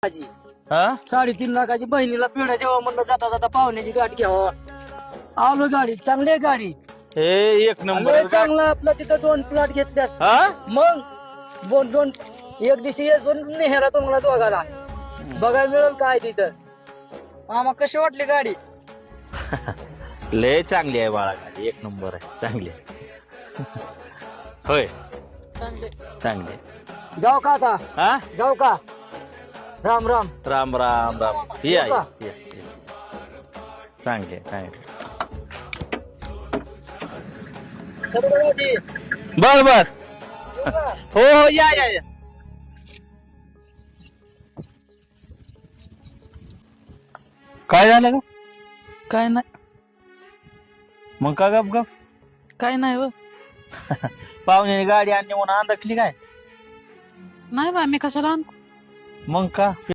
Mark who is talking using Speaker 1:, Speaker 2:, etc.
Speaker 1: हा
Speaker 2: 3.5 लाखाची बहिणीला पेढा द्यावा म्हणलं, जाता जाता पाहुण्याची गाठ घ्यावा. आलो गाडी, चांगली आहे गाडी.
Speaker 1: हे एक
Speaker 2: लय
Speaker 1: नंबर
Speaker 2: चांगला आपला तिथं 2 प्लॉट घेतल्यात.
Speaker 1: हा
Speaker 2: मग दोन एक दिवशी दोन नेहरा तुम्हाला दोघाला बघायला मिळेल काय तिथं. मामा कशी वाटली गाडी?
Speaker 1: लय चांगली आहे बाळा गाडी, एक नंबर आहे, चांगली आहे. होय चांगली आहे.
Speaker 2: जाऊ का आता?
Speaker 1: हा
Speaker 2: जाऊ का? राम राम.
Speaker 1: राम राम राम. या
Speaker 2: येऊ का?
Speaker 1: या, या. चांगली आहे, चांगली आहे. बर बर. हो हो या या या. काय झालं का?
Speaker 3: काय नाही,
Speaker 1: मग का गप गप?
Speaker 3: काय नाही व.
Speaker 1: पाहुण्याने गाडी आणली म्हणून अंदाजली काय?
Speaker 3: नाही बा, मी कशाला आणू?
Speaker 1: मग का